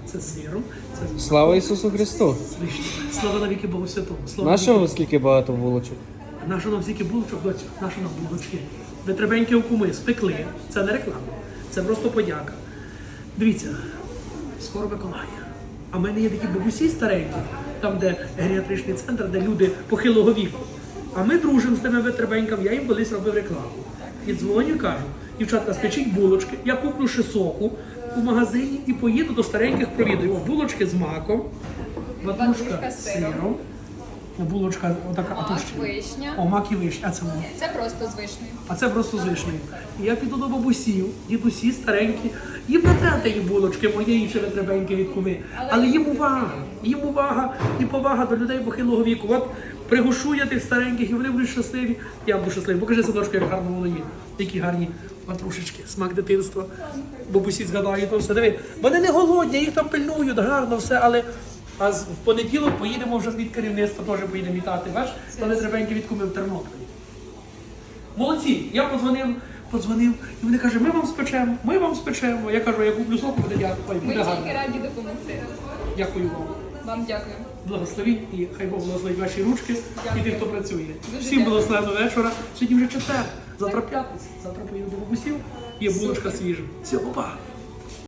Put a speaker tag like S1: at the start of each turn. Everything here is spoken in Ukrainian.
S1: це з сиром, це з
S2: Слава Ісусу Христу!
S1: Слава навіки Богу Святому. Слава
S2: Нашого скільки багато булочок?
S1: Нащо нам стільки булочок, доцю? Нащо нам булочки? Витребенькі у куми спекли. Це не реклама, це просто подяка. Дивіться, скоро Миколая. А в мене є такі бабусі старенькі, там, де геріатричний центр, де люди похилого віку. А ми дружимо з тими витребеньками, я їм колись робив рекламу. І дзвоню, кажу, дівчатка, спечіть булочки, я куплю ще соку у магазині і поїду до стареньких, провідаю. О, булочки з маком, ватрушка з сиром. Булочка отака, а тут ще.
S3: Вишня.
S1: О, мак і вишня, а це воно.
S3: Це просто з вишнею.
S1: А це просто з вишнею. І я піду до бабусів, дідусі старенькі. Їм не треба тієї булочки, моєї ще витребеньки від куми. Але їм увага і повага до людей похилого віку. От пригушу я тих стареньких, і вони будуть щасливі. Я буду щасливий. Покажи, садочку, як гарно воно є. Які гарні ватрушечки, смак дитинства. Бабусі згадають, то все. Диви, вони не голодні, їх там пильнують, гарно все, але... А в понеділок поїдемо вже від керівництва, теж поїдемо вітати. Бачиш, вони требенькі від куми в Тернополі. Молодці, я подзвонив, і вони кажуть, ми вам спечемо. Я кажу, я куплю соку, буде дякую.
S3: Ми
S1: Буде гарно.
S3: тільки раді допомогти.
S1: Дякую вам.
S3: Вам дякую.
S1: Благословіть і хай Бог благословить ваші ручки і тих, хто працює.
S3: Дуже
S1: Всім
S3: дякую.
S1: благословенного вечора. Сьогодні вже четвер. Завтра п'ятниця. Завтра поїду до бабусів. Є булочка свіжа. Все, опа.